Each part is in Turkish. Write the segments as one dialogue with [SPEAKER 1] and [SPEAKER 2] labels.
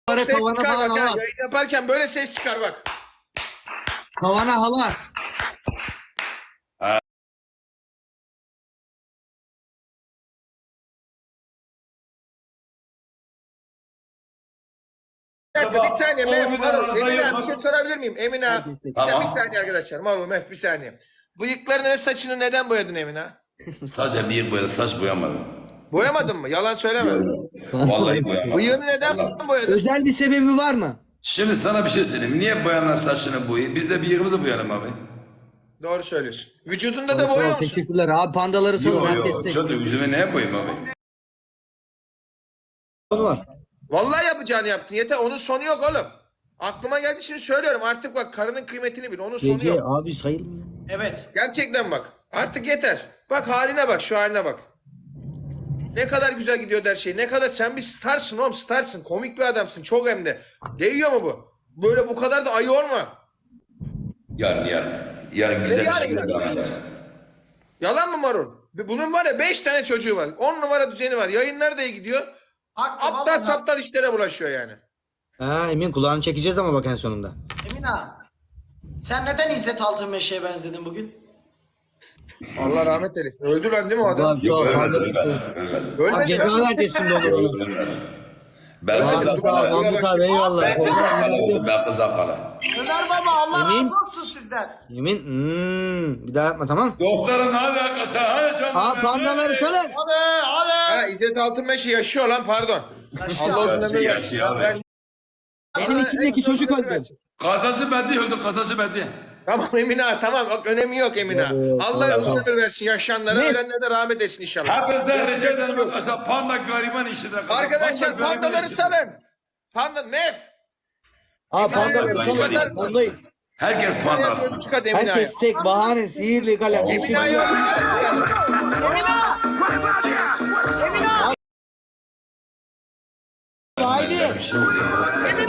[SPEAKER 1] Ses
[SPEAKER 2] Tavana
[SPEAKER 1] çıkar
[SPEAKER 2] falan
[SPEAKER 1] bak ha.
[SPEAKER 2] halas.
[SPEAKER 1] Yayın yaparken böyle ses çıkar bak.
[SPEAKER 2] Tavana halas.
[SPEAKER 1] Bir saniye Mef,
[SPEAKER 3] bir
[SPEAKER 1] Marul,
[SPEAKER 3] arasında
[SPEAKER 1] Emine
[SPEAKER 3] yok.
[SPEAKER 1] bir şey sorabilir miyim? Emine,
[SPEAKER 3] Tamam.
[SPEAKER 1] bir saniye arkadaşlar. Marul, Mef bir saniye. Bıyıklarını ve saçını neden boyadın Emine?
[SPEAKER 3] Sadece bir boyadı, saç boyamadım.
[SPEAKER 1] Boyamadın mı? Yalan söyleme.
[SPEAKER 3] Vallahi boyamadım.
[SPEAKER 1] Bıyığını neden
[SPEAKER 3] Vallahi.
[SPEAKER 1] boyadın?
[SPEAKER 2] Özel bir sebebi var mı?
[SPEAKER 3] Şimdi sana bir şey söyleyeyim. Niye boyanlar saçını boyuyor? Biz de bıyığımızı boyayalım abi.
[SPEAKER 1] Doğru söylüyorsun. Vücudunda da boyuyor musun?
[SPEAKER 2] Teşekkürler abi, pandaları salın,
[SPEAKER 3] Yok
[SPEAKER 2] herkes
[SPEAKER 3] yok.
[SPEAKER 2] tek.
[SPEAKER 3] Çok da vücudumu neye boyayım abi?
[SPEAKER 2] Konu var.
[SPEAKER 1] Vallahi yapacağını yaptın. Yeter. Onun sonu yok oğlum. Aklıma geldi şimdi söylüyorum. Artık bak karının kıymetini bil. Onun sonu
[SPEAKER 2] Gece
[SPEAKER 1] yok.
[SPEAKER 2] abi sayılmıyor.
[SPEAKER 4] Evet.
[SPEAKER 1] Gerçekten bak. Artık yeter. Bak haline bak. Şu haline bak. Ne kadar güzel gidiyor her şey. Ne kadar sen bir starsın oğlum. Starsın. Komik bir adamsın. Çok hem de. Değiyor mu bu? Böyle bu kadar da ayı olma.
[SPEAKER 3] Yarın. Yarın güzel bir
[SPEAKER 1] yarın?
[SPEAKER 3] şekilde anlayacaksın.
[SPEAKER 1] Yalan mı Marul? Bunun var ya 5 tane çocuğu var. 10 numara düzeni var. Yayınlar da iyi gidiyor.
[SPEAKER 4] Haklı
[SPEAKER 1] Aptal
[SPEAKER 4] vallahi.
[SPEAKER 1] saptal işlere bulaşıyor yani.
[SPEAKER 2] Ha Emin, kulağını çekeceğiz ama bak en sonunda.
[SPEAKER 4] Emin ağa. Sen neden İzzet Altınmeşe'ye benzedin bugün?
[SPEAKER 1] Allah rahmet eylesin. Öldü lan değil mi o adam?
[SPEAKER 2] Abi,
[SPEAKER 3] Yok
[SPEAKER 2] çok
[SPEAKER 3] ölmedi.
[SPEAKER 1] Ölmedi mi?
[SPEAKER 2] ceza vereceğiz şimdi onu.
[SPEAKER 3] Ölmedi. Ben
[SPEAKER 1] Ölmedi.
[SPEAKER 3] kıza para.
[SPEAKER 2] Mahmut abi eyvallah.
[SPEAKER 3] Ben kıza para. Ben kıza para.
[SPEAKER 4] Ömer baba Allah
[SPEAKER 2] Emin.
[SPEAKER 4] razı olsun sizden.
[SPEAKER 2] Emin bir daha yapma, tamam.
[SPEAKER 3] Dostların hadi arkadaşlar. Hadi canım.
[SPEAKER 2] Aa, pandaları salın.
[SPEAKER 4] Hadi hadi.
[SPEAKER 1] Ha İzzet Altınmeşe yaşıyor lan pardon.
[SPEAKER 4] Yaşıyor.
[SPEAKER 1] Allah uzun
[SPEAKER 3] Yaşıyor,
[SPEAKER 1] ömür
[SPEAKER 3] yaşıyor
[SPEAKER 1] versin.
[SPEAKER 3] abi.
[SPEAKER 2] Benim içimdeki çocuk öldü.
[SPEAKER 3] Kazancı bedi öldü. Kazancı bedi.
[SPEAKER 1] Tamam Emine ağa, tamam bak önemi yok Emine ağa. Allah uzun ömür versin yaşayanlara, ölenlere de rahmet etsin inşallah.
[SPEAKER 3] Hepinizden rica ederim arkadaşlar. Panda gariban işidir.
[SPEAKER 1] Arkadaşlar
[SPEAKER 3] Panda gariban
[SPEAKER 1] pandaları
[SPEAKER 3] işidir.
[SPEAKER 1] salın. Panda Mef.
[SPEAKER 2] Aa,
[SPEAKER 1] Pandaları
[SPEAKER 2] pandaları
[SPEAKER 1] salın.
[SPEAKER 2] salın. Pandayız.
[SPEAKER 3] Herkes panda atsın.
[SPEAKER 1] Çıkart Emine ağa.
[SPEAKER 2] Herkes tek, bahane, sihirli kalem.
[SPEAKER 1] Emine ağa yok.
[SPEAKER 2] Haydi.
[SPEAKER 3] Bir şey oluyor.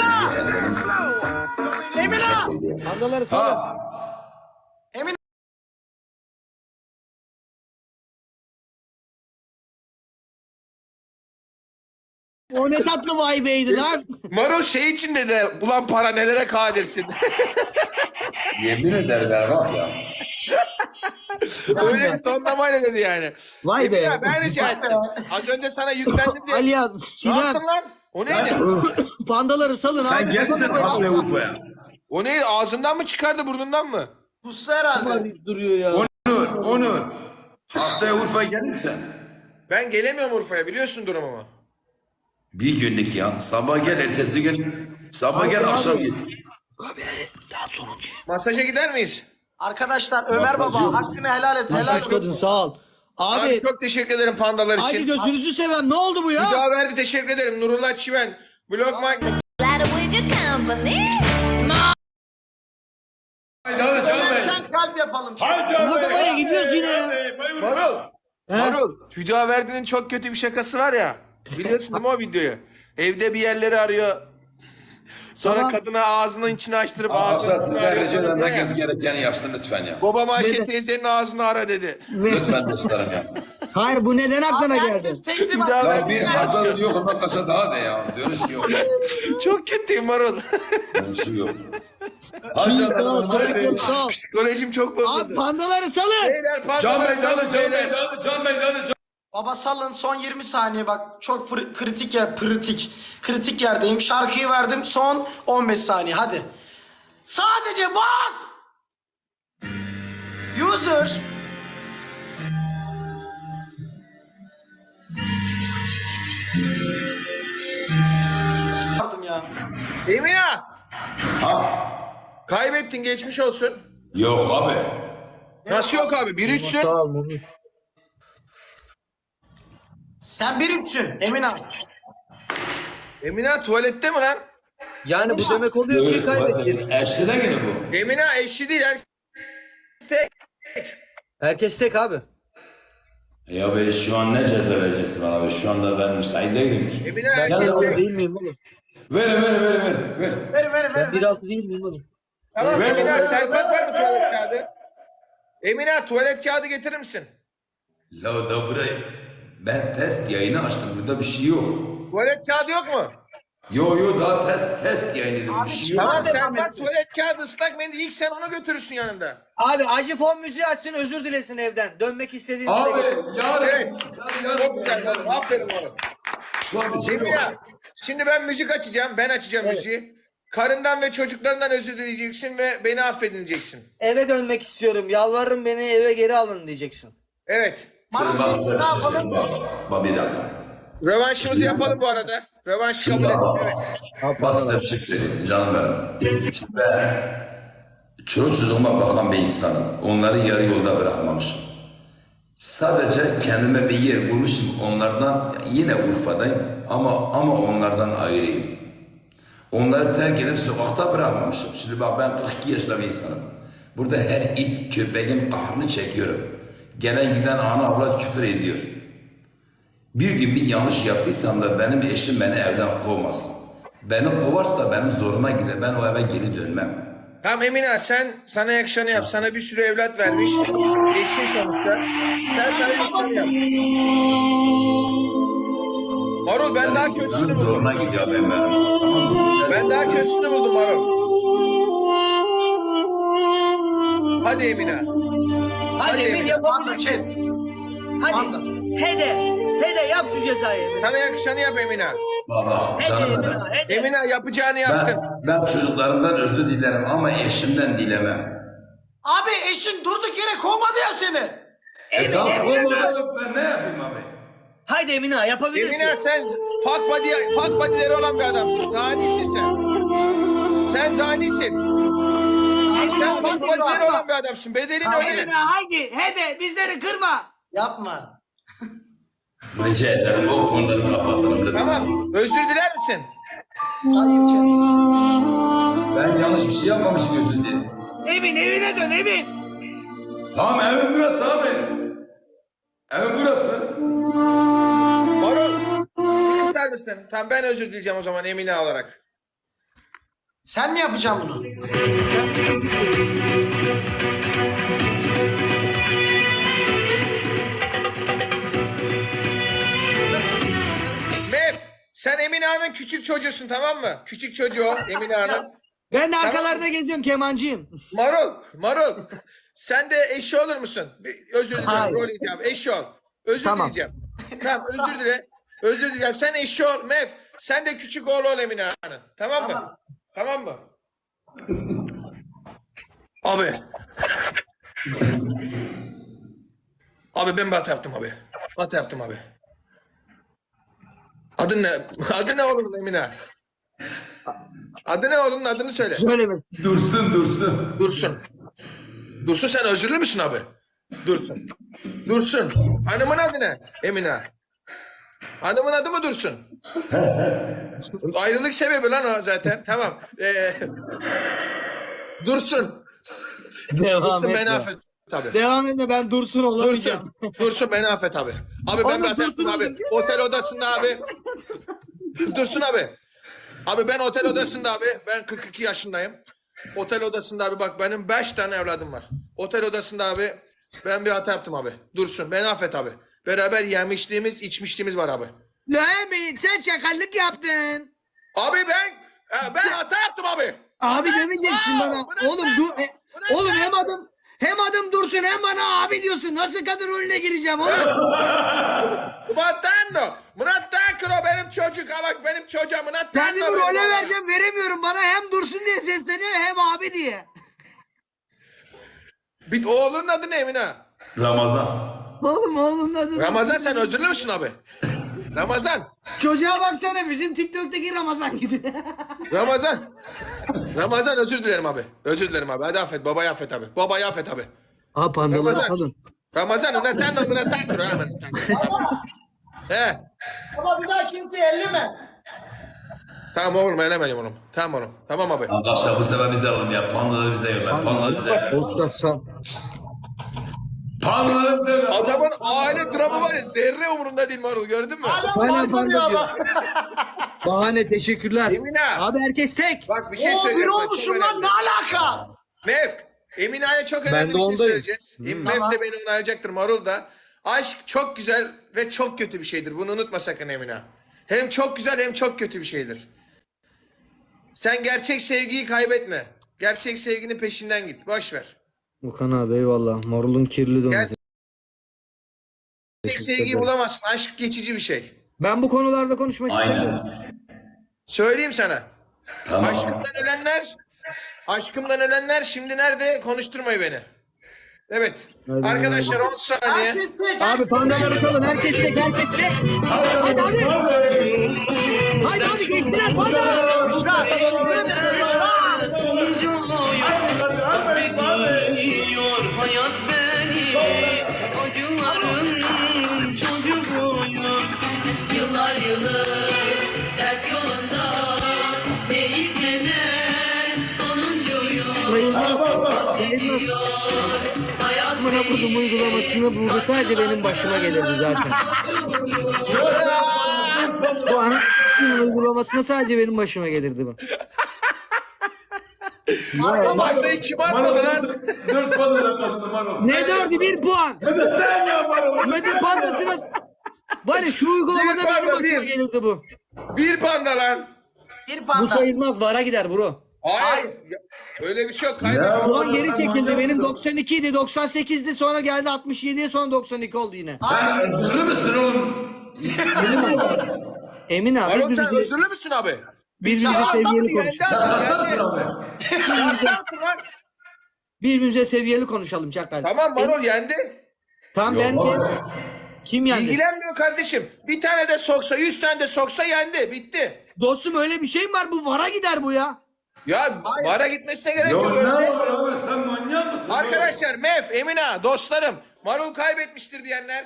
[SPEAKER 2] Pandaları salın.
[SPEAKER 4] Emin
[SPEAKER 2] O ne tatlı vay beydi lan.
[SPEAKER 1] Maro şey için dedi. Ulan para nelere kadirsin.
[SPEAKER 3] Yemin ederim bak ya.
[SPEAKER 1] Öyle bir tonlamayla dedi yani.
[SPEAKER 2] Vay
[SPEAKER 1] Emine
[SPEAKER 2] be.
[SPEAKER 1] ağa, ben rica ettim. Az önce sana yüklendim diye.
[SPEAKER 2] Ali ya,
[SPEAKER 1] Ne
[SPEAKER 2] Sinan.
[SPEAKER 1] yaptın lan? O neydi?
[SPEAKER 2] Pandaları salın
[SPEAKER 3] Sen
[SPEAKER 2] abi.
[SPEAKER 3] gelsin Panda Urfa'ya.
[SPEAKER 1] O neydi? Ağzından mı çıkardı burnundan mı?
[SPEAKER 4] kustu herhalde.
[SPEAKER 2] Duruyor ya.
[SPEAKER 3] Onur. Haftaya Urfa'ya gelirsen.
[SPEAKER 1] Ben gelemiyorum Urfa'ya biliyorsun durumumu.
[SPEAKER 3] Bir günlük ya. Sabah gel, ertesi gün. Sabah gel, akşam git.
[SPEAKER 1] Masaja gider miyiz?
[SPEAKER 4] Arkadaşlar Ömer
[SPEAKER 3] Bak,
[SPEAKER 4] baba
[SPEAKER 3] yok.
[SPEAKER 4] hakkını helal et. Helal
[SPEAKER 2] Sus kadın,
[SPEAKER 4] et.
[SPEAKER 2] sağ ol.
[SPEAKER 1] Abi,
[SPEAKER 2] Abi
[SPEAKER 1] çok teşekkür ederim pandalar için.
[SPEAKER 2] hadi gözünüzü seveyim, ne oldu bu ya?
[SPEAKER 1] Bir daha verdi teşekkür ederim. Nurullah Çiven. Blogman.
[SPEAKER 5] Glad with your company.
[SPEAKER 3] Haydi hadi Can Bey.
[SPEAKER 4] Sen kalp yapalım.
[SPEAKER 3] Hadi Can Bey.
[SPEAKER 2] Matabaya gidiyoruz yine ya.
[SPEAKER 1] Marul.
[SPEAKER 2] He?
[SPEAKER 1] Marul. Hüda Verdi'nin çok kötü bir şakası var ya. Biliyorsun değil mi o videoyu? Evde bir yerleri arıyor. Sonra
[SPEAKER 2] Tamam.
[SPEAKER 1] kadına ağzının içini açtırıp
[SPEAKER 3] Arkadaşlar
[SPEAKER 1] ağzının içini
[SPEAKER 3] sizler
[SPEAKER 1] arıyor.
[SPEAKER 3] rica
[SPEAKER 1] Sonra
[SPEAKER 3] ederim.
[SPEAKER 1] diyor ya,
[SPEAKER 3] Herkes gerekeni yapsın lütfen ya.
[SPEAKER 1] Babam Ayşe teyzenin ağzını ara dedi.
[SPEAKER 3] Lütfen dostlarım ya.
[SPEAKER 2] Hayır, bu neden aklına geldi?
[SPEAKER 4] Herkes tekti bak.
[SPEAKER 1] Hüda
[SPEAKER 3] Ya
[SPEAKER 1] Verdi.
[SPEAKER 3] bir hatalı yok ondan kaça daha de ya. Dönüş yok.
[SPEAKER 1] Çok kötüyüm Marul.
[SPEAKER 3] Dönüşü yok. Hadi
[SPEAKER 2] Sağ ol,
[SPEAKER 3] canım.
[SPEAKER 2] teşekkür sağ ol.
[SPEAKER 1] Psikolojim çok
[SPEAKER 2] Abi
[SPEAKER 1] bozuldu.
[SPEAKER 2] pandaları salın.
[SPEAKER 1] Beyler
[SPEAKER 3] Can Bey
[SPEAKER 1] pandaları salın
[SPEAKER 3] hadi Can Bey
[SPEAKER 1] beyler.
[SPEAKER 3] hadi Can Bey hadi Can.
[SPEAKER 4] Baba salın son 20 saniye bak çok kritik yer kritik yerdeyim şarkıyı verdim son 15 saniye hadi sadece bas user Yardım ya.
[SPEAKER 1] Emine.
[SPEAKER 3] Ha?
[SPEAKER 1] Kaybettin geçmiş olsun.
[SPEAKER 3] Yok abi.
[SPEAKER 1] Nasıl yok abi? 1-3'sün.
[SPEAKER 2] Sağ ol Mumut.
[SPEAKER 4] Sen bir üçsün Emin abi.
[SPEAKER 1] Emine tuvalette mi lan?
[SPEAKER 2] Yani bu demek oluyor ki kaybettik.
[SPEAKER 3] Eşli de yine bu.
[SPEAKER 1] Emine eşli değil.
[SPEAKER 2] Herkes tek abi.
[SPEAKER 3] Ya be şu an ne ceza vereceksin bana be? Şu anda ben müsait değilim ki.
[SPEAKER 1] Emine
[SPEAKER 2] Ben
[SPEAKER 1] erkek.
[SPEAKER 2] 1.6 değil miyim oğlum?
[SPEAKER 3] Ver.
[SPEAKER 4] Ver.
[SPEAKER 2] 1.6 değil miyim oğlum?
[SPEAKER 1] Tamam
[SPEAKER 3] Ver,
[SPEAKER 1] Emine
[SPEAKER 3] ver,
[SPEAKER 1] Serpak var mı tuvalet kağıdı? Emine tuvalet kağıdı getirir misin?
[SPEAKER 3] La da burayı ben test yayını açtım. Burada bir şey yok.
[SPEAKER 1] Tuvalet kağıdı yok mu?
[SPEAKER 3] Yo daha test yayınladım.
[SPEAKER 4] Abi,
[SPEAKER 3] Bir şey
[SPEAKER 4] çıkar.
[SPEAKER 3] yok.
[SPEAKER 1] Tamam sen
[SPEAKER 4] devam
[SPEAKER 1] bak
[SPEAKER 4] etsin.
[SPEAKER 1] tuvalet kağıdı ıslak mendil ilk sen onu götürürsün yanında.
[SPEAKER 2] Abi acı fon müziği açsın özür dilesin evden. Dönmek istediğini dile
[SPEAKER 3] Abi
[SPEAKER 2] getirsin.
[SPEAKER 3] yarın.
[SPEAKER 1] Evet. Çok güzel oğlum. Aferin oğlum. Emine şimdi ben müzik açacağım. Ben açacağım müziği. Karından ve çocuklarından özür dileyeceksin ve beni affedileceksin.
[SPEAKER 2] Eve dönmek istiyorum. Yalvarırım beni eve geri alın diyeceksin.
[SPEAKER 1] Evet.
[SPEAKER 3] Şimdi bak size bir şey söyleyeyim. Bak bir dakika.
[SPEAKER 1] Rövanşımızı yapalım bu arada. Rövanşı kabul ettim. Evet.
[SPEAKER 3] Bak size bir şey söyleyeyim canım benim. Şimdi ben çoluk çocuğuma bakan bir insanım. Onları yarı yolda bırakmamışım. Sadece kendime bir yer bulmuşum onlardan. Yine Urfa'dayım ama onlardan ayrıyım. Onları terk edip sokakta bırakmamışım. Şimdi bak ben 42 yaşında bir insanım. Burada her it köpeğin kahrını çekiyorum. Gelen giden ana avrat küfür ediyor. Bir gün bir yanlış yaptıysam da benim eşim beni evden kovmasın. Beni kovarsa benim zoruma gider. Ben o eve geri dönmem.
[SPEAKER 1] Tamam Emine sana yakışanı yap. Sana bir sürü evlat vermiş. Eşin sonuçta. Sen sana yakışanı yap. Marul ben daha kötüsünü
[SPEAKER 3] İnsanın
[SPEAKER 1] buldum.
[SPEAKER 3] zoruna gidiyor benim. Tamam mı?
[SPEAKER 1] Ben daha kötüsünü buldum Marul. Hadi Emine.
[SPEAKER 2] Hadi Emin
[SPEAKER 4] Panda
[SPEAKER 2] yapabilirsin.
[SPEAKER 4] chat.
[SPEAKER 2] Hadi.
[SPEAKER 4] Panda.
[SPEAKER 2] Hede yap şu cezayı Emin.
[SPEAKER 1] Sana yakışanı yap Emine.
[SPEAKER 3] Baba
[SPEAKER 2] Hede
[SPEAKER 3] canım
[SPEAKER 2] Emin
[SPEAKER 3] benim.
[SPEAKER 2] hede.
[SPEAKER 1] Emine yapacağını yaptın.
[SPEAKER 3] Ben çocuklarımdan özür dilerim ama eşimden dilemem.
[SPEAKER 4] Abi eşin durduk yere kovmadı ya seni.
[SPEAKER 3] Tamam olmadı ben ne yapayım abi?
[SPEAKER 2] Haydi Emine yapabilirsin.
[SPEAKER 1] Emine sen fuck body'leri olan bir adamsın. Zanisin sen. Sen zanisin. Sen fuck body'leri olan bir adamsın. Bedelin öyle.
[SPEAKER 2] haydi hede bizleri kırma.
[SPEAKER 4] Yapma.
[SPEAKER 3] Rica ederim o konuları kapatırım lütfen.
[SPEAKER 1] Tamam. Özür diler misin?
[SPEAKER 4] Saygı chat.
[SPEAKER 3] Ben yanlış bir şey yapmamışım özür dilerim.
[SPEAKER 2] Emin evine dön Emin.
[SPEAKER 3] Tamam evim burası abi. Evim burası.
[SPEAKER 1] Marul. Bir kısar mısın? Tamam ben özür dileyeceğim o zaman Emine olarak.
[SPEAKER 4] Sen mi yapacaksın bunu?
[SPEAKER 1] Mev sen Emine Han'ın küçük çocuğusun tamam mı? Küçük çocuğu o, Emine Han'ın.
[SPEAKER 2] Ben de arkalarına geziyorum kemancıyım.
[SPEAKER 1] Marul. Sen de eşi olur musun? Özür dilerim.
[SPEAKER 2] Hayır.
[SPEAKER 1] Rol icabı. Eşi ol. Özür
[SPEAKER 2] Tamam.
[SPEAKER 1] dileyeceğim. Tamam özür dile. Özür dileyeceğim. Sen eşi ol Mev. Sen de küçük oğlu ol Emine Han'ın. Tamam mı? Tamam mı? Abi. Abi ben bir hata yaptım abi. Hata yaptım abi. Adın ne? Adı ne oğlum Emine? Adı ne oğlum? Adını söyle.
[SPEAKER 2] Söyleme.
[SPEAKER 3] Dursun.
[SPEAKER 1] Dursun sen özürlü müsün abi? Dursun. Hanımın adı ne? Emine. Hanımın adı mı Dursun? Ayrılık sebebi lan o zaten. Tamam. Dursun.
[SPEAKER 2] Devam
[SPEAKER 1] Dursun
[SPEAKER 2] et.
[SPEAKER 1] beni affet tabii.
[SPEAKER 2] Devam et de ben Dursun olamayacağım.
[SPEAKER 1] Dursun beni affet abi. Abi ben
[SPEAKER 2] Oğlum,
[SPEAKER 1] bir hata yaptım
[SPEAKER 2] Dursun
[SPEAKER 1] abi.
[SPEAKER 2] oldum.
[SPEAKER 1] Otel odasında abi. Dursun abi. Abi ben otel odasında abi. Ben 42 yaşındayım. Otel odasında abi bak benim 5 tane evladım var. Otel odasında abi ben bir hata yaptım abi. Dursun beni affet abi. Beraber yemişliğimiz içmişliğimiz var abi.
[SPEAKER 2] La Emin sen çakallık yaptın.
[SPEAKER 1] Abi ben hata yaptım abi.
[SPEAKER 2] Abi demeyeceksin bana. Oğlum dur. Oğlum hem adım Dursun hem bana abi diyorsun. Nasıl kadın rolüne gireceğim oğlum?
[SPEAKER 1] Murattanno. Murattanno benim çocuk. Ha bak benim çocuğum Murattanno.
[SPEAKER 2] Kendimi role vereceğim veremiyorum. Bana hem Dursun diye sesleniyor hem abi diye.
[SPEAKER 1] Bir oğlunun adı ne Emine?
[SPEAKER 3] Ramazan.
[SPEAKER 2] Oğlum oğlum adı.
[SPEAKER 1] Ramazan sen özürlü müsün abi? Ramazan.
[SPEAKER 2] Çocuğa baksana bizim TikTok'taki Ramazan gibi.
[SPEAKER 1] Ramazan özür dilerim abi. Özür dilerim abi. Hadi affet. Babayı affet abi. Babayı affet abi.
[SPEAKER 2] Ha pandaları
[SPEAKER 1] Ramazan.
[SPEAKER 2] salın.
[SPEAKER 1] Ramazan Murattanno. He.
[SPEAKER 4] Ama bir daha kimseyi elleme.
[SPEAKER 1] Tamam oğlum elemedim onu. Tamam oğlum. Tamam abi.
[SPEAKER 3] Arkadaşlar bu sefer bizden alalım ya. Pandaları bize yolla. Pandaları bize yolla. Pandaları bize yolla.
[SPEAKER 1] Adamın aile dramı var ya zerre umurunda değil Marul gördün mü?
[SPEAKER 2] Hala panda diyor. Bahane teşekkürler.
[SPEAKER 1] Emine.
[SPEAKER 2] Abi herkes tek.
[SPEAKER 1] Bak bir şey
[SPEAKER 4] Oo bir
[SPEAKER 1] söyleyeceğim. bak, çok
[SPEAKER 4] olmuşum lan
[SPEAKER 1] önemli.
[SPEAKER 4] ne alaka?
[SPEAKER 1] Mev. Emine'ye çok
[SPEAKER 2] Ben
[SPEAKER 1] önemli
[SPEAKER 2] de
[SPEAKER 1] bir şey
[SPEAKER 2] ondayım.
[SPEAKER 1] söyleyeceğiz. Mev de beni onaylayacaktır Marul da. Aşk çok güzel ve çok kötü bir şeydir. Bunu unutma sakın Emine. Hem çok güzel hem çok kötü bir şeydir. Sen gerçek sevgiyi kaybetme. Gerçek sevginin peşinden git. Boş ver.
[SPEAKER 2] Okan abi eyvallah. Marulun kirli domatesi.
[SPEAKER 1] Gerçek sevgiyi bulamazsın. Aşk geçici bir şey.
[SPEAKER 2] Ben bu konularda konuşmak istemiyorum.
[SPEAKER 3] Aynen.
[SPEAKER 1] Söyleyeyim sana.
[SPEAKER 3] Tamam.
[SPEAKER 1] Aşkımdan ölenler şimdi nerede? Konuşturmayın beni. Evet.
[SPEAKER 2] Hadi,
[SPEAKER 1] Arkadaşlar 10 saniye.
[SPEAKER 4] Herkes tek.
[SPEAKER 2] Abi pandaları salın. Herkes tek. Herkes tek. Hadi abi. Haydi abi geçtiler panda.
[SPEAKER 4] Büşra, teşekkür ederim Büşra.
[SPEAKER 6] Bekliyor hayat beni, acıların çocuğuyum.
[SPEAKER 7] Yıllar yılı dert yolunda ne ilk ne de sonuncuyum.
[SPEAKER 2] Sayılmaz.
[SPEAKER 7] Hayat
[SPEAKER 2] Amına kodum uygulamasında burada sadece benim başıma gelirdi zaten. Bu an uygulamasında sadece benim başıma gelirdi bu.
[SPEAKER 1] Pandayı kim atmadı lan?
[SPEAKER 3] 4 puanla kazandım Marul.
[SPEAKER 2] Ne dördü? 1 puan.
[SPEAKER 3] Sen ya Marul.
[SPEAKER 2] Metin pandasına... Var ya şu uygulamada
[SPEAKER 1] Bir
[SPEAKER 2] benim
[SPEAKER 1] panda,
[SPEAKER 2] başıma
[SPEAKER 1] bir.
[SPEAKER 2] gelirdi bu.
[SPEAKER 1] Bir panda lan.
[SPEAKER 4] Bir
[SPEAKER 2] Bu
[SPEAKER 4] panda.
[SPEAKER 2] sayılmaz. VAR'a gider bro.
[SPEAKER 1] Hayır. Öyle bir şey yok. Kaybettim.
[SPEAKER 2] Puan geri çekildi. Benim 92 idi, 98'di. Sonra geldi 67'ye, sonra 92 oldu yine.
[SPEAKER 3] Sen özürlü müsün oğlum?
[SPEAKER 2] Emin abi
[SPEAKER 1] Marul sen
[SPEAKER 2] birbirimize,
[SPEAKER 1] özürlü müsün abi?
[SPEAKER 2] birbirimize seviyeli konuşalım.
[SPEAKER 3] Hasta mısın abi?
[SPEAKER 1] Hastansın lan.
[SPEAKER 2] Birbirimize seviyeli konuşalım Çakal.
[SPEAKER 1] Tamam Marul yendi.
[SPEAKER 2] Tamam ben de... Kim yendi?
[SPEAKER 1] İlgilenmiyor kardeşim. Bir tane de soksa 100 tane de soksa yendi. Bitti.
[SPEAKER 2] Dostum öyle bir şey mi var? Bu VAR'a gider bu ya.
[SPEAKER 1] Ya VAR'a gitmesine gerek yok.
[SPEAKER 3] Yok ne
[SPEAKER 1] Önde.
[SPEAKER 3] var abi sen manyak mısın?
[SPEAKER 1] Arkadaşlar Mef, Emina, dostlarım. Marul kaybetmiştir diyenler.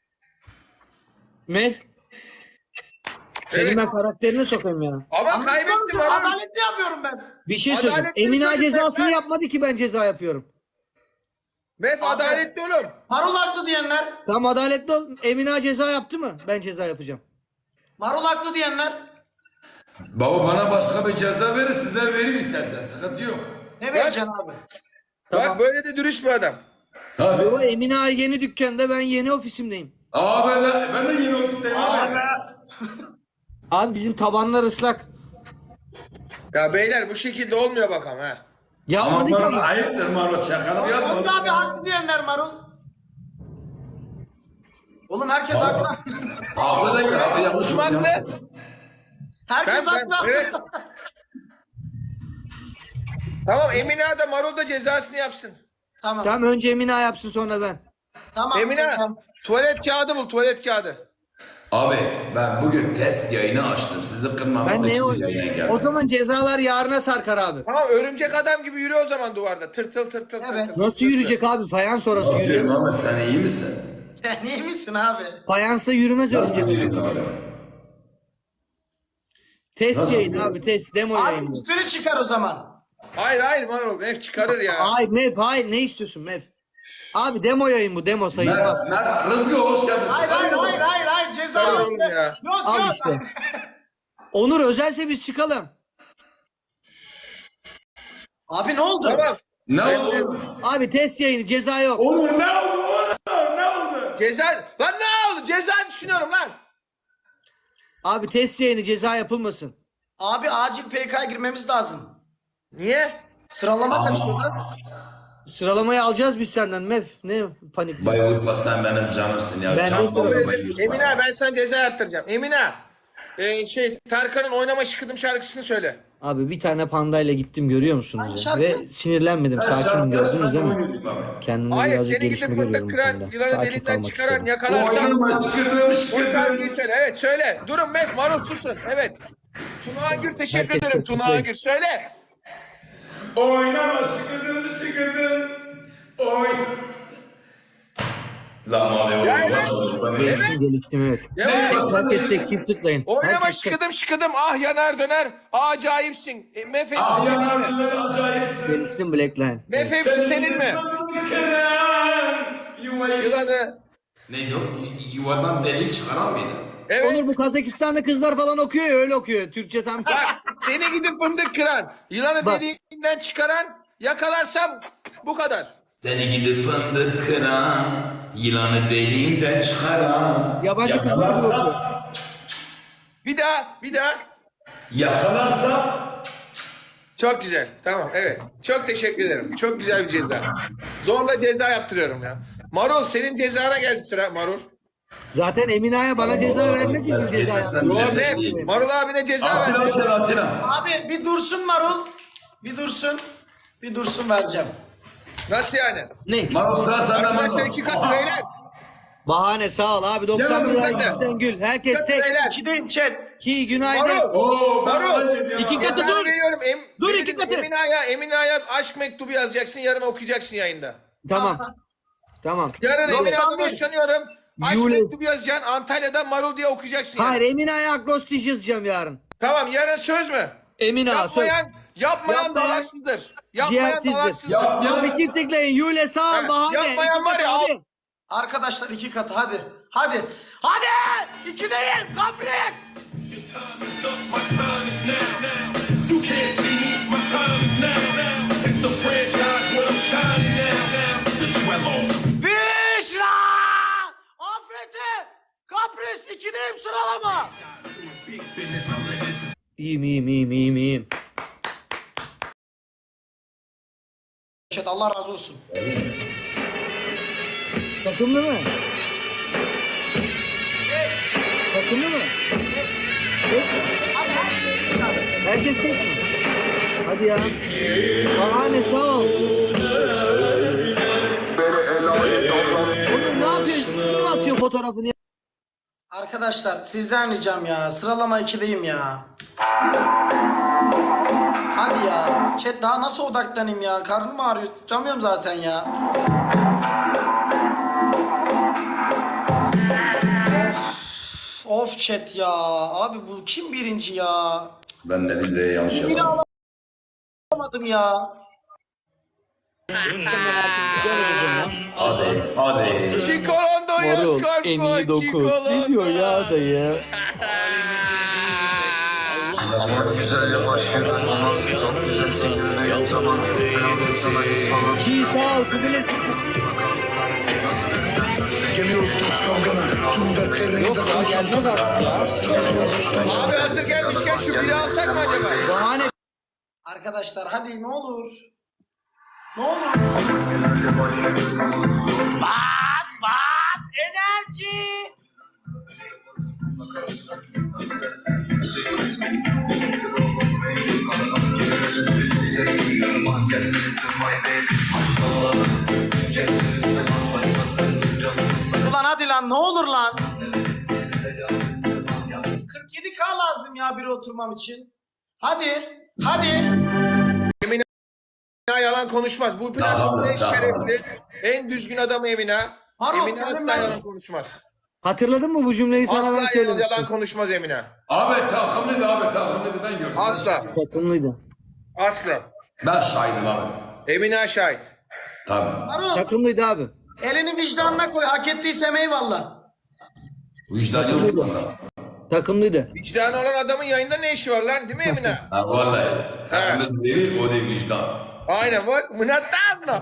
[SPEAKER 2] Mev. Senin
[SPEAKER 1] Evet.
[SPEAKER 2] ben karakterini sokayım ya.
[SPEAKER 1] Ama kaybetti Marul.
[SPEAKER 4] Adaletli yapıyorum ben.
[SPEAKER 2] Bir şey söyleyeyim.
[SPEAKER 1] Adaletli
[SPEAKER 2] Emine
[SPEAKER 1] çocuk
[SPEAKER 2] cezasını
[SPEAKER 1] ben.
[SPEAKER 2] yapmadı ki ben ceza yapıyorum.
[SPEAKER 1] Mef adaletli oğlum.
[SPEAKER 4] Marul haklı diyenler.
[SPEAKER 2] Tamam adaletli ol. Emine ceza yaptı mı? Ben ceza yapacağım.
[SPEAKER 4] Marul haklı diyenler.
[SPEAKER 3] Baba bana başka bir ceza verir size vereyim istersen sıkıntı yok.
[SPEAKER 4] Ne vereceksin abi?
[SPEAKER 1] Bak böyle de dürüst bir adam.
[SPEAKER 3] Abi.
[SPEAKER 2] Yo Emine yeni dükkanda, ben yeni ofisimdeyim.
[SPEAKER 3] Ben de yeni ofisteyim abi.
[SPEAKER 2] Abi bizim tabanlar ıslak.
[SPEAKER 1] Ya beyler bu şekilde olmuyor bakalım ha.
[SPEAKER 2] Yapmadık
[SPEAKER 3] Ama
[SPEAKER 2] ama.
[SPEAKER 3] ayıptır Marul çakalım yapma.
[SPEAKER 4] Onur abi haklı diyenler Marul. Oğlum herkes haklı.
[SPEAKER 3] Haklı da gel abi yanlış
[SPEAKER 1] Kim haklı?
[SPEAKER 4] Herkes haklı.
[SPEAKER 1] Evet. Tamam Emine de Marul da cezasını yapsın.
[SPEAKER 4] Tamam.
[SPEAKER 2] Tamam önce Emine yapsın sonra ben.
[SPEAKER 4] Tamam.
[SPEAKER 1] Emine
[SPEAKER 4] Tamam.
[SPEAKER 1] tuvalet kağıdı bul tuvalet kağıdı.
[SPEAKER 3] Abi ben bugün test yayını açtım. Sizi kırmamak
[SPEAKER 2] Ben ne
[SPEAKER 3] için
[SPEAKER 2] o?
[SPEAKER 3] yayına geldim.
[SPEAKER 2] O zaman cezalar yarına sarkar abi.
[SPEAKER 1] Tamam örümcek adam gibi yürü o zaman duvarda. Tırtıl tırtıl
[SPEAKER 4] Evet.
[SPEAKER 1] tırtıl.
[SPEAKER 2] Nasıl yürüyecek abi? Fayans orası
[SPEAKER 3] Nasıl
[SPEAKER 2] yürüyor.
[SPEAKER 3] Mehmet sen iyi misin?
[SPEAKER 4] Sen iyi misin abi?
[SPEAKER 2] Fayansla yürümez
[SPEAKER 3] Nasıl
[SPEAKER 2] örümcek.
[SPEAKER 3] yürüyorsun abi?
[SPEAKER 2] Test
[SPEAKER 3] Nasıl?
[SPEAKER 2] yayın abi test. Demo
[SPEAKER 4] Abi
[SPEAKER 2] yayın bu.
[SPEAKER 4] üstünü çıkar o zaman.
[SPEAKER 1] Hayır Marul Mef çıkarır ya.
[SPEAKER 2] Hayır Mev hayır, ne istiyorsun Mev? Abi demo yayın bu, demo sayılmaz.
[SPEAKER 3] Rızkı hoş geldin.
[SPEAKER 4] Hayır ceza
[SPEAKER 1] Hayır
[SPEAKER 4] yok.
[SPEAKER 1] oğlum ya.
[SPEAKER 4] Yok
[SPEAKER 2] Al
[SPEAKER 4] yok.
[SPEAKER 2] işte. Onur özelse biz çıkalım.
[SPEAKER 4] Abi ne oldu?
[SPEAKER 1] Tamam.
[SPEAKER 3] Ne oldu?
[SPEAKER 2] Abi test yayını, ceza yok.
[SPEAKER 3] Oğlum ne oldu oğlum? Ne oldu?
[SPEAKER 1] Ceza. Lan ne oldu? Ceza düşünüyorum lan.
[SPEAKER 2] Abi test yayını, ceza yapılmasın.
[SPEAKER 4] Abi acil PK'ya girmemiz lazım.
[SPEAKER 1] Niye?
[SPEAKER 4] Sıralama kaçıyordu.
[SPEAKER 2] Sıralamayı alacağız biz senden Mev. Ne panik.
[SPEAKER 3] Bay Urfa sen benim canımsın ya.
[SPEAKER 2] Ben de
[SPEAKER 3] Canım
[SPEAKER 2] severim.
[SPEAKER 3] Bay Urfa.
[SPEAKER 1] Emine ben sana ceza yaptıracağım. Emine. Tarkan'ın Oynama Şıkıdım şarkısını söyle.
[SPEAKER 2] Abi bir tane pandayla gittim, görüyor musunuz
[SPEAKER 4] Hangi
[SPEAKER 2] ya?
[SPEAKER 4] şarkı?
[SPEAKER 2] Ve sinirlenmedim, sakinim, gördünüz değil mi?
[SPEAKER 3] Oynuyorduk abi.
[SPEAKER 2] Kendimde
[SPEAKER 1] Hayır
[SPEAKER 2] birazcık
[SPEAKER 1] seni
[SPEAKER 2] gelişme
[SPEAKER 1] gidip
[SPEAKER 2] görüyorum
[SPEAKER 1] fındık
[SPEAKER 2] bu
[SPEAKER 1] kıran,
[SPEAKER 2] konuda.
[SPEAKER 1] yılanı
[SPEAKER 2] Sakin
[SPEAKER 1] deliğinden
[SPEAKER 2] kalmak
[SPEAKER 1] çıkaran,
[SPEAKER 2] istiyorum.
[SPEAKER 1] yakalarsam
[SPEAKER 3] Oynama çıkırdım
[SPEAKER 1] o şarkıyı söyle. Evet söyle. Durun Mef, Marul susun. Evet. Tuna Angür teşekkür
[SPEAKER 2] Herkes
[SPEAKER 1] ederim.
[SPEAKER 2] çok
[SPEAKER 1] Tuna
[SPEAKER 2] mutlu.
[SPEAKER 1] Angür söyle.
[SPEAKER 3] Oynama şıkıdım. Oy. Lan abi
[SPEAKER 1] Ya
[SPEAKER 3] oynama.
[SPEAKER 2] Geliştim, geliştim evet.
[SPEAKER 1] Devam.
[SPEAKER 2] Herkes tek çift tıklayın.
[SPEAKER 1] Oynama
[SPEAKER 2] Herkes tek-
[SPEAKER 1] şıkıdım ah yanar döner. Acayipsin. Mef hepsi
[SPEAKER 3] Ah
[SPEAKER 1] senin mi?
[SPEAKER 3] yanarlar acayipsin.
[SPEAKER 2] Geliştim Blackline.
[SPEAKER 1] Mef hepsi senin mi? Yılanı.
[SPEAKER 3] Neydi o? Yuvadan deliği çıkaran mıydı?
[SPEAKER 1] Evet.
[SPEAKER 2] Onur bu Kazakistan'da kızlar falan okuyor ya, öyle okuyor. Türkçe tam.
[SPEAKER 1] Bak seni gidip fındık kıran, yılanı
[SPEAKER 2] Bak.
[SPEAKER 1] deliğinden çıkaran, yakalarsam bu kadar.
[SPEAKER 3] Seni gidip fındık kıran, yılanı deliğinden çıkaran.
[SPEAKER 2] Yabancı kızlar gibi okuyor.
[SPEAKER 1] Bir daha.
[SPEAKER 3] Yakalarsa
[SPEAKER 1] Çok güzel. Tamam evet. Çok teşekkür ederim. Çok güzel bir ceza. Zorla ceza yaptırıyorum ya. Marul senin cezana geldi sıra Marul.
[SPEAKER 2] Zaten Emine Ağa'ya bana ceza vermesi için
[SPEAKER 3] Ses
[SPEAKER 2] ceza
[SPEAKER 3] gelmezsen
[SPEAKER 2] yaptım.
[SPEAKER 3] bile
[SPEAKER 1] Muhammed,
[SPEAKER 3] değil.
[SPEAKER 1] Marul abine ceza
[SPEAKER 3] Atilla
[SPEAKER 1] ver.
[SPEAKER 3] sen Atilla.
[SPEAKER 4] Abi bir dursun Marul. Bir dursun. Bir dursun vereceğim.
[SPEAKER 1] Nasıl yani?
[SPEAKER 2] Ne?
[SPEAKER 3] Marul sıra sende
[SPEAKER 1] Arkadaşlar
[SPEAKER 3] Marul.
[SPEAKER 1] 2 katı beyler.
[SPEAKER 2] Bahane sağ ol abi. 91
[SPEAKER 1] Gel
[SPEAKER 2] ay
[SPEAKER 1] abi,
[SPEAKER 2] yüzden gül. Herkes
[SPEAKER 1] Katı
[SPEAKER 2] tek.
[SPEAKER 1] beyler.
[SPEAKER 4] İkideyim chat.
[SPEAKER 2] Ki günaydın.
[SPEAKER 1] Marul.
[SPEAKER 3] Oo,
[SPEAKER 1] Marul.
[SPEAKER 2] İki katı
[SPEAKER 1] Cezanı
[SPEAKER 2] dur.
[SPEAKER 1] veriyorum.
[SPEAKER 2] Dur, iki katı.
[SPEAKER 1] Emine Ağa'ya aşk mektubu yazacaksın. Yarın okuyacaksın yayında.
[SPEAKER 2] Tamam. Tamam.
[SPEAKER 1] Yarın Emine Ağa'dan
[SPEAKER 4] 91.
[SPEAKER 1] hoşlanıyorum. Aşk
[SPEAKER 2] Yule.
[SPEAKER 1] mektubu yazacaksın. Antalya'dan Marul diye okuyacaksın.
[SPEAKER 2] Hayır
[SPEAKER 1] Yani.
[SPEAKER 2] Emine Ağa'ya akrostiş yazacağım yarın.
[SPEAKER 1] Tamam yarın söz mü?
[SPEAKER 2] Emine Ağa söz.
[SPEAKER 1] Yapmayan dalaksızdır. Yapmayan
[SPEAKER 2] Ciğersizdir.
[SPEAKER 1] dalaksızdır.
[SPEAKER 2] Ya bir çift tıklayın. Yule sağ ol
[SPEAKER 1] Ha,
[SPEAKER 2] bahane.
[SPEAKER 1] yapmayan
[SPEAKER 2] İki
[SPEAKER 1] var
[SPEAKER 2] katı,
[SPEAKER 1] ya, al.
[SPEAKER 2] hadi.
[SPEAKER 4] Arkadaşlar 2 katı hadi. Hadi. Hadi. 2'deyim. Kapris.
[SPEAKER 6] Your time is up, my time is now. You can't see me, my time is now. It's the franchise where I'm shining now. The swell on.
[SPEAKER 4] Büşra. Afeti. Kapris 2'deyim sıralama.
[SPEAKER 6] Big business, I'm like, this is
[SPEAKER 2] İyiyim.
[SPEAKER 4] Chat Allah razı olsun.
[SPEAKER 2] Takımlı mı? Takımlı mı? Tek. Herkes tek mi? Hadi ya. Bahane sağ ol. Oğlum ne yapıyorsun? Kim atıyor fotoğrafını ya?
[SPEAKER 4] Arkadaşlar sizden ricam ya. Sıralama 2'deyim ya. Hadi ya. Chat daha nasıl odaklanayım ya? Karnım ağrıyor. Tutamıyorum zaten ya. Of chat ya. Abi bu kim birinci ya?
[SPEAKER 3] Ben ne diyeyim yanlış yapalım.
[SPEAKER 4] Alamadım ya.
[SPEAKER 3] Hadi.
[SPEAKER 1] Çikolondo yaz kalp Çikolondo.
[SPEAKER 2] ya dayı.
[SPEAKER 8] Güzel başlıyor ama çok güzel sinirli zaman sana falan
[SPEAKER 2] Çiğ sağ ol. Kubilesi.
[SPEAKER 8] geliyoruz toz kavgana tüm dertlerini de
[SPEAKER 2] Gelmez artık ya.
[SPEAKER 1] Abi hazır gelmişken şu biri alsak mı acaba?
[SPEAKER 2] Bahane.
[SPEAKER 4] Arkadaşlar hadi ne olur. Ne olur. Bas enerji. Ulan hadi lan ne olur lan. 47K lazım ya bir oturmam için. Hadi.
[SPEAKER 1] Emine yalan konuşmaz. Bu platformun en şerefli, en düzgün adamı Emine.
[SPEAKER 4] Harun,
[SPEAKER 1] Emine
[SPEAKER 4] senin
[SPEAKER 1] asla
[SPEAKER 4] ben-
[SPEAKER 1] yalan konuşmaz.
[SPEAKER 2] Hatırladın mı bu cümleyi sana ben
[SPEAKER 1] Asla yalan
[SPEAKER 2] söylemiştim.
[SPEAKER 1] konuşmaz Emine.
[SPEAKER 3] Abi takımlıydı ben gördüm.
[SPEAKER 1] Asla.
[SPEAKER 2] Takımlıydı.
[SPEAKER 1] Asla.
[SPEAKER 3] Ben şahidim abi.
[SPEAKER 1] Emine şahit.
[SPEAKER 3] Tabii.
[SPEAKER 4] Harun
[SPEAKER 2] Takımlıydı abi.
[SPEAKER 4] elini vicdanına koy. Hak ettiysem eyvallah.
[SPEAKER 3] Vicdan yok bunda.
[SPEAKER 2] Takımlıydı.
[SPEAKER 1] Vicdanı olan adamın yayında ne işi var lan değil mi Emine?
[SPEAKER 3] Ha vallahi. Takımlı değil o değil vicdan.
[SPEAKER 1] Aynen bak. Mınattanla.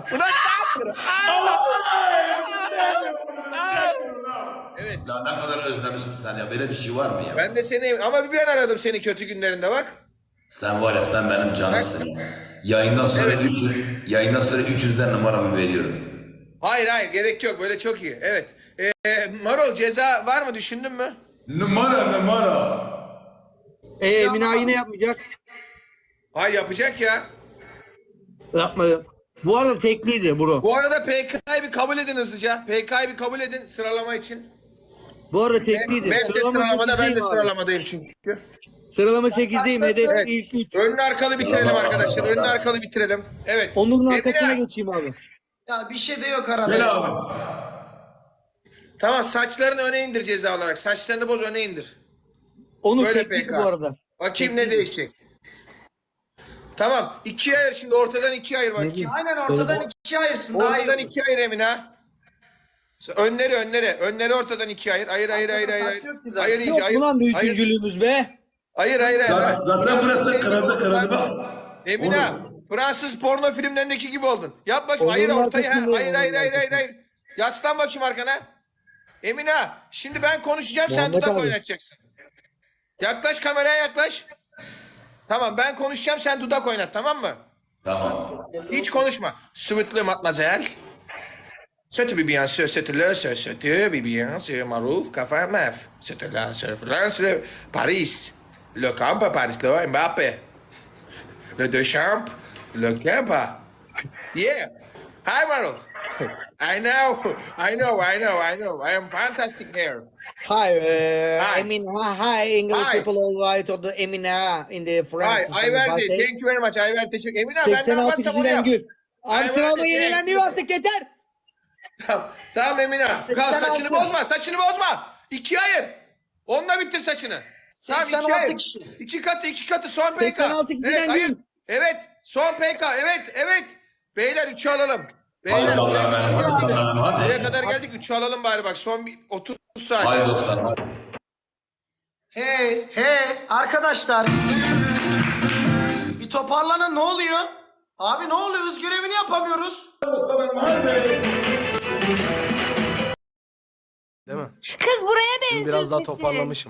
[SPEAKER 1] Evet.
[SPEAKER 3] Ya ne kadar özlemişim seni ya. Böyle bir şey var mı ya?
[SPEAKER 1] Ben de seni ama bir ben aradım seni kötü günlerinde bak.
[SPEAKER 3] Sen var ya sen benim canımsın ya. Yayından sonra
[SPEAKER 1] Evet.
[SPEAKER 3] yayından sonra üçünüzden numaramı veriyorum.
[SPEAKER 1] Hayır gerek yok böyle çok iyi. Evet. Marol ceza var mı düşündün mü?
[SPEAKER 3] Numara.
[SPEAKER 2] Emine Ağa yine yapmayacak.
[SPEAKER 1] Hayır yapacak ya.
[SPEAKER 2] Yapmadı. Bu arada tekliydi bro.
[SPEAKER 1] Bu arada PK'yı bir kabul edin hızlıca. PK'yı bir kabul edin sıralama için.
[SPEAKER 2] Bu arada tekliydi.
[SPEAKER 1] Ben de sıralamada ben de
[SPEAKER 2] 8'deyim abi.
[SPEAKER 1] sıralamadayım çünkü.
[SPEAKER 2] Sıralama 8'deyim. Hedef
[SPEAKER 1] Evet.
[SPEAKER 2] ilk 3.
[SPEAKER 1] Önlü arkalı bitirelim arkadaşlar. Önlü arkalı bitirelim. Evet.
[SPEAKER 2] Onur'un
[SPEAKER 1] Emine,
[SPEAKER 2] arkasına geçeyim abi.
[SPEAKER 4] Ya bir şey de yok arada.
[SPEAKER 3] Söyle abi.
[SPEAKER 1] Tamam saçlarını öne indir ceza olarak. Saçlarını boz öne indir.
[SPEAKER 2] Onur
[SPEAKER 1] Böyle
[SPEAKER 2] tekliydi
[SPEAKER 1] PK.
[SPEAKER 2] bu arada.
[SPEAKER 1] Bakayım ne değişecek. Tamam. İkiye ayır şimdi ortadan ikiye ayır bakayım.
[SPEAKER 4] Aynen ortadan ikiye ayırsın daha iyi.
[SPEAKER 1] Ortadan
[SPEAKER 4] olur.
[SPEAKER 1] ikiye ayır Emine. Önleri ortadan ikiye ayır. Ayır.
[SPEAKER 4] Saç yok ki zaten.
[SPEAKER 1] Ayır iyice
[SPEAKER 2] Yok
[SPEAKER 1] ayır.
[SPEAKER 2] mu lan bir
[SPEAKER 1] Ayır.
[SPEAKER 2] üçüncülüğümüz be?
[SPEAKER 1] Hayır.
[SPEAKER 3] Zaten burası kırıldı bak.
[SPEAKER 1] Emine, Fransız porno filmlerindeki gibi oldun. Yap bakayım. Hayır
[SPEAKER 2] Onur'un
[SPEAKER 1] ortaya.
[SPEAKER 2] arkasında,
[SPEAKER 1] Hayır. Yaslan bakayım arkana. Emine, şimdi ben konuşacağım sen
[SPEAKER 2] Muhammed
[SPEAKER 1] dudak
[SPEAKER 2] abi.
[SPEAKER 1] oynatacaksın. Yaklaş kameraya yaklaş. Tamam ben konuşacağım sen dudak oynat tamam mı?
[SPEAKER 3] Tamam.
[SPEAKER 1] Hiç konuşma. Sıvıtlı matmazel. Sötü bir bien söz sötülü söz sötü bir bien söz marul kafa mef. Sötülü söz France Paris. Le camp Paris le Mbappé. Le Deschamps le Kempa. Yeah. Hi Marul. I know. I am fantastic here.
[SPEAKER 2] Hi,
[SPEAKER 1] Hi.
[SPEAKER 2] I mean, hi, English
[SPEAKER 1] Hi.
[SPEAKER 2] people all right or the Emina in the
[SPEAKER 1] Hi,
[SPEAKER 2] France.
[SPEAKER 1] Ayverdi. Thank you very much. Ayverdi teşekkür ederim. Emine ben ne
[SPEAKER 2] 86
[SPEAKER 1] yaparsam onu
[SPEAKER 2] kişiden
[SPEAKER 1] yap.
[SPEAKER 2] gül. Abi
[SPEAKER 1] Ayverdi,
[SPEAKER 2] sıralama
[SPEAKER 1] thank
[SPEAKER 2] yenilendi
[SPEAKER 1] you.
[SPEAKER 2] artık yeter.
[SPEAKER 1] Tamam Emine. Kal saçını bozma. Saçını bozma. İkiye ayır. Onunla bitir saçını. Tamam,
[SPEAKER 4] 86
[SPEAKER 1] ikiye ayır.
[SPEAKER 4] kişi.
[SPEAKER 1] İki katı son PK.
[SPEAKER 2] 86 kişiden
[SPEAKER 1] ayır.
[SPEAKER 2] gül.
[SPEAKER 1] Evet son PK. Evet. Beyler 3'ü alalım.
[SPEAKER 3] Hadi
[SPEAKER 1] Beyler
[SPEAKER 3] canım
[SPEAKER 1] buraya kadar
[SPEAKER 3] benim, hadi
[SPEAKER 1] geldik.
[SPEAKER 3] canım, hadi.
[SPEAKER 1] Buraya kadar geldik 3'ü alalım bari bak son bir 30 saniye.
[SPEAKER 3] Haydi dostlar. Hadi.
[SPEAKER 4] Hey arkadaşlar. Bir toparlanın ne oluyor? Abi ne oluyor? Öz görevini yapamıyoruz.
[SPEAKER 1] Değil mi?
[SPEAKER 5] Kız buraya benziyor sesi.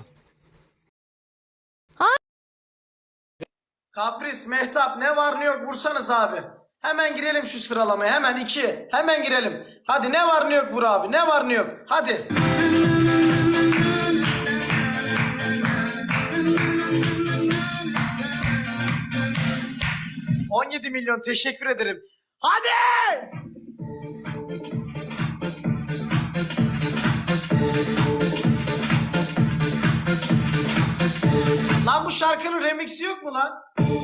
[SPEAKER 4] Kapris, Mehtap ne var ne yok vursanız abi. Hemen girelim şu sıralamaya. Hemen 2. Hemen girelim. Hadi ne var ne yok vur abi. Ne var ne yok. Hadi. ...17 milyon teşekkür ederim. Hadi! Lan bu şarkının remixi yok mu lan?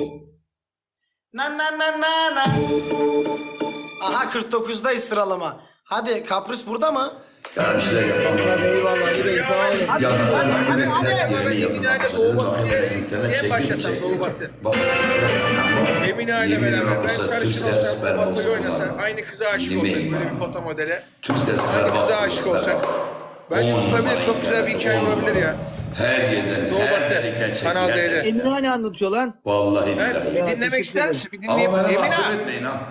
[SPEAKER 4] Na na na na na. Aha 49'dayız sıralama. Hadi Kapris burada mı?
[SPEAKER 3] Ya bir şeyler yapalım.
[SPEAKER 2] Eyvallah.
[SPEAKER 4] Hadi,
[SPEAKER 3] Yazılar
[SPEAKER 4] hadi,
[SPEAKER 3] bir
[SPEAKER 4] hadi.
[SPEAKER 3] testlerini yapın.
[SPEAKER 1] Emine ile Doğu Batı'ya niye başlasam Doğu Batı? Emine ile beraber ben sarışın olsam Doğu Batı'yı oynasa aynı kıza aşık olsak böyle bir foto modele.
[SPEAKER 3] Tüm sesler
[SPEAKER 1] Aynı kıza aşık olsak. Bence tutabilir çok güzel bir hikaye olabilir ya.
[SPEAKER 3] Her yerden,
[SPEAKER 1] Doğu
[SPEAKER 3] her
[SPEAKER 1] Batı,
[SPEAKER 3] delikten
[SPEAKER 1] Kanal
[SPEAKER 3] çekilen.
[SPEAKER 1] D'de.
[SPEAKER 2] Emine ne anlatıyor lan?
[SPEAKER 3] Vallahi
[SPEAKER 1] Evet,
[SPEAKER 3] billahi.
[SPEAKER 1] bir
[SPEAKER 2] Ya,
[SPEAKER 1] dinlemek
[SPEAKER 2] teşekkür
[SPEAKER 1] ister misin? Bir dinleyeyim.
[SPEAKER 3] Ama bana
[SPEAKER 1] Emine.
[SPEAKER 3] mahcup etmeyin ha.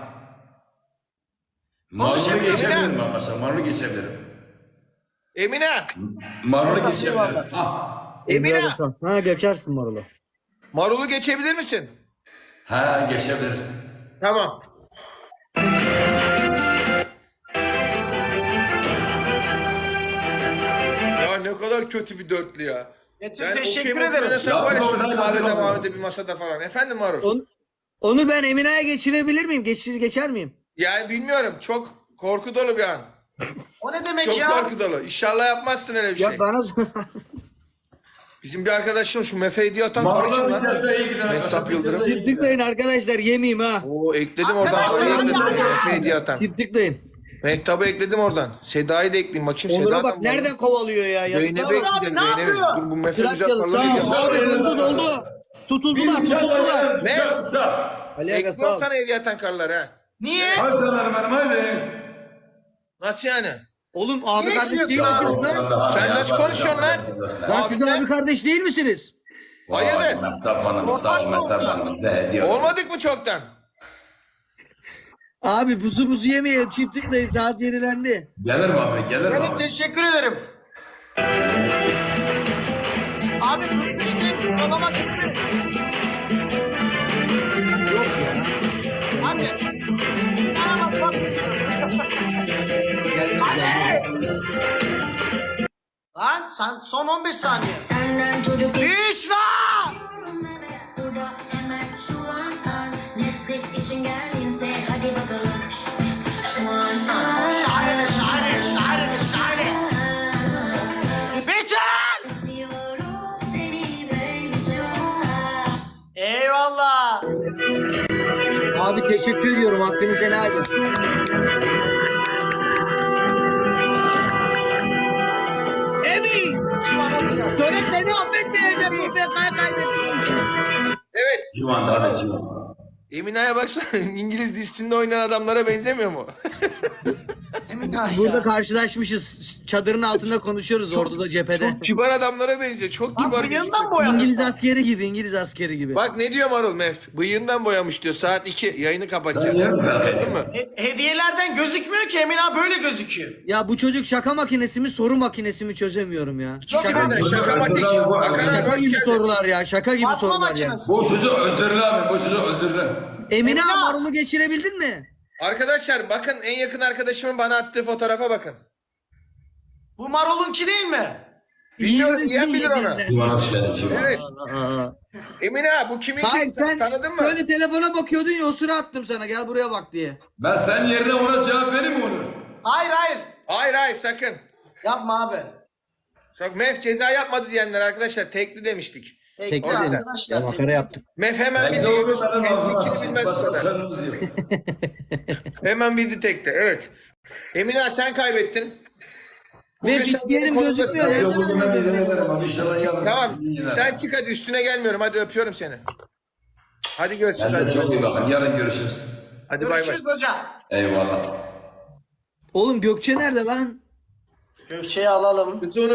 [SPEAKER 3] Marul'u geçebilirim arkadaşlar. Marul'u geçebilirim.
[SPEAKER 1] Emine.
[SPEAKER 3] Marul'u geçebilirim. Ha.
[SPEAKER 1] Emine.
[SPEAKER 2] Ha geçersin Marul'u.
[SPEAKER 1] Marul'u geçebilir misin?
[SPEAKER 3] Ha geçebilirsin.
[SPEAKER 1] Tamam. Ya ne kadar kötü bir dörtlü ya.
[SPEAKER 4] Metin
[SPEAKER 1] Ben
[SPEAKER 4] teşekkür
[SPEAKER 1] okey
[SPEAKER 4] ederim.
[SPEAKER 1] oynasak var ya şu
[SPEAKER 3] Yapma,
[SPEAKER 1] kahvede
[SPEAKER 3] yapma.
[SPEAKER 1] mahvede bir masada falan. Efendim Marul?
[SPEAKER 2] Onur ben Emine'ye geçirebilir miyim? Geçer miyim?
[SPEAKER 1] Yani bilmiyorum. Çok korku dolu bir an.
[SPEAKER 4] O ne demek
[SPEAKER 1] Çok
[SPEAKER 4] ya?
[SPEAKER 1] korku dolu. İnşallah yapmazsın öyle bir şey.
[SPEAKER 2] Ya bana
[SPEAKER 1] Bizim bir arkadaşım şu Mefe hediye atan karı kim
[SPEAKER 3] Marul'u
[SPEAKER 1] lan?
[SPEAKER 3] geçerse iyi gider
[SPEAKER 1] Mehtap
[SPEAKER 3] arkadaşlar.
[SPEAKER 1] Yıldırım.
[SPEAKER 2] çift tıklayın arkadaşlar yemeyeyim ha.
[SPEAKER 1] Oo ekledim oradan.
[SPEAKER 4] Arkadaşlar,
[SPEAKER 1] Karıyı ekledim.
[SPEAKER 4] hadi.
[SPEAKER 1] Mefe hediye atan.
[SPEAKER 2] Çift tıklayın.
[SPEAKER 1] Mehtap'ı ekledim oradan. Seda'yı da ekleyeyim. Bakayım
[SPEAKER 2] Onur'a
[SPEAKER 1] Seda'dan
[SPEAKER 2] bak nereden kovalıyor ya.
[SPEAKER 1] Zeynep'e
[SPEAKER 2] Yazıklar olsun.
[SPEAKER 1] ekledim.
[SPEAKER 4] ne
[SPEAKER 1] Zeynep'e.
[SPEAKER 4] yapıyor?
[SPEAKER 1] Dur bu Mefe
[SPEAKER 2] Bırak
[SPEAKER 1] güzel
[SPEAKER 2] yalı. Sağ
[SPEAKER 1] parları
[SPEAKER 2] ol.
[SPEAKER 1] yapıyor.
[SPEAKER 2] Abi doldu. Tutuldular.
[SPEAKER 1] Ne?
[SPEAKER 2] Ali Aga
[SPEAKER 1] Ekliyorum
[SPEAKER 2] sağ ol.
[SPEAKER 1] sana hediye atan karılar ha.
[SPEAKER 4] Niye?
[SPEAKER 3] Hadi canlarım benim hadi.
[SPEAKER 1] Nasıl yani?
[SPEAKER 2] Oğlum abi
[SPEAKER 4] Niye
[SPEAKER 2] kardeş değil
[SPEAKER 4] gidiyorsun
[SPEAKER 2] misiniz lan?
[SPEAKER 1] Sen nasıl konuşuyorsun lan?
[SPEAKER 2] Lan siz abi kardeş değil misiniz?
[SPEAKER 1] Hayırdır?
[SPEAKER 3] Mehtap Hanım sağ ol Mehtap Hanım. Bize hediye olsun.
[SPEAKER 1] Olmadık mı çoktan?
[SPEAKER 2] Abi pusu yemeyelim. Çift tıklayın. Saat yenilendi.
[SPEAKER 3] Gelirim abi gelirim
[SPEAKER 4] Evet
[SPEAKER 3] abi.
[SPEAKER 4] teşekkür ederim. Abi tutmuş değil. Babama gitti. Yok ya. Hadi. Bana bak bak. Hadi. Lan sen son 15 saniye.
[SPEAKER 5] Senden çocuk
[SPEAKER 4] Büşra!
[SPEAKER 5] burada hemen şu an Netflix için geldinse hadi bakalım. Şu an
[SPEAKER 4] Şahane şahane şahane şahane. Betül!
[SPEAKER 5] istiyorum seni baby şu an.
[SPEAKER 4] Eyvallah.
[SPEAKER 2] Abi teşekkür ediyorum. Hakkınızı helal edin. Emin! Sonra seni affettireceğim bu PK'yı kaybettiğin için.
[SPEAKER 1] Evet.
[SPEAKER 3] Civan hadi Civan.
[SPEAKER 1] Emine'ye baksana İngiliz dizisinde oynayan adamlara benzemiyor mu?
[SPEAKER 4] Enayi
[SPEAKER 2] burada
[SPEAKER 4] ya.
[SPEAKER 2] karşılaşmışız. Çadırın altında konuşuyoruz orduda cephede.
[SPEAKER 1] Çok kibar adamlara benziyor. Çok
[SPEAKER 4] Lan
[SPEAKER 1] kibar.
[SPEAKER 4] bıyığından
[SPEAKER 1] gözüküyor.
[SPEAKER 4] boyamış.
[SPEAKER 2] İngiliz askeri gibi, İngiliz askeri gibi.
[SPEAKER 1] Bak ne diyor Marul Mef? Bıyığından boyamış diyor. Saat 2. Yayını
[SPEAKER 3] Sen
[SPEAKER 1] kapatacağız.
[SPEAKER 3] niye merak
[SPEAKER 1] Anladın
[SPEAKER 3] ettin?
[SPEAKER 1] mı?
[SPEAKER 4] Hediyelerden gözükmüyor ki Emin abi böyle gözüküyor.
[SPEAKER 2] Ya bu çocuk şaka makinesi mi, soru makinesi mi çözemiyorum ya.
[SPEAKER 1] Şaka, şakamatik. Hakan abi
[SPEAKER 2] Şaka
[SPEAKER 1] hoş
[SPEAKER 2] gibi
[SPEAKER 1] geldin.
[SPEAKER 2] sorular ya, şaka gibi
[SPEAKER 4] Atma
[SPEAKER 2] sorular ya.
[SPEAKER 4] makinesi.
[SPEAKER 3] Bu çocuk özürlü abi, bu çocuk özürlü.
[SPEAKER 2] Emine
[SPEAKER 4] Emine-
[SPEAKER 2] Marul'u geçirebildin mi?
[SPEAKER 1] Arkadaşlar bakın en yakın arkadaşımın bana attığı fotoğrafa bakın.
[SPEAKER 4] Bu Marol'unki değil mi?
[SPEAKER 1] Bilmiyorum, yiyen bilir onu.
[SPEAKER 3] Bana hoş geldin kim?
[SPEAKER 1] Evet. Emine bu kimin
[SPEAKER 2] Hayır
[SPEAKER 1] kim?
[SPEAKER 2] sen
[SPEAKER 1] Tanıdın mı?
[SPEAKER 2] şöyle telefona bakıyordun ya, o sıra attım sana, gel buraya bak diye.
[SPEAKER 3] Ben senin yerine ona cevap vereyim mi onu?
[SPEAKER 4] Hayır hayır.
[SPEAKER 1] Hayır sakın.
[SPEAKER 4] Yapma abi.
[SPEAKER 1] Çok Mef ceza yapmadı diyenler arkadaşlar tekli demiştik.
[SPEAKER 4] Tekli
[SPEAKER 1] Orada.
[SPEAKER 4] arkadaşlar.
[SPEAKER 2] Ya makara yaptık.
[SPEAKER 1] Mef hemen
[SPEAKER 3] Ben
[SPEAKER 1] bildi
[SPEAKER 3] de onu
[SPEAKER 1] görüyorsunuz.
[SPEAKER 3] benim
[SPEAKER 1] Kendi
[SPEAKER 3] ağzıma
[SPEAKER 1] içini
[SPEAKER 3] sıçtım.
[SPEAKER 1] bilmez bu
[SPEAKER 3] Başka
[SPEAKER 1] kadar.
[SPEAKER 3] çaremiz yok.
[SPEAKER 1] Hemen bildi tekli evet. Emine sen kaybettin.
[SPEAKER 2] Ve
[SPEAKER 1] Bugün sen
[SPEAKER 2] hiçbir yerim
[SPEAKER 1] konuda-
[SPEAKER 2] gözükmüyor.
[SPEAKER 3] Yok
[SPEAKER 2] Nereden
[SPEAKER 3] bugün ben
[SPEAKER 2] anladın?
[SPEAKER 3] edemedim abi inşallah yarın.
[SPEAKER 1] Tamam
[SPEAKER 3] sizin yine.
[SPEAKER 1] sen çık hadi üstüne gelmiyorum hadi öpüyorum seni. Hadi görüşürüz
[SPEAKER 3] Kendinize
[SPEAKER 1] hadi.
[SPEAKER 3] çok iyi bakın. Yarın görüşürüz.
[SPEAKER 1] Hadi bay bay.
[SPEAKER 4] Görüşürüz hoca.
[SPEAKER 3] Eyvallah.
[SPEAKER 2] Oğlum Gökçe nerede lan?
[SPEAKER 4] Gökçe'yi alalım.
[SPEAKER 1] Kızı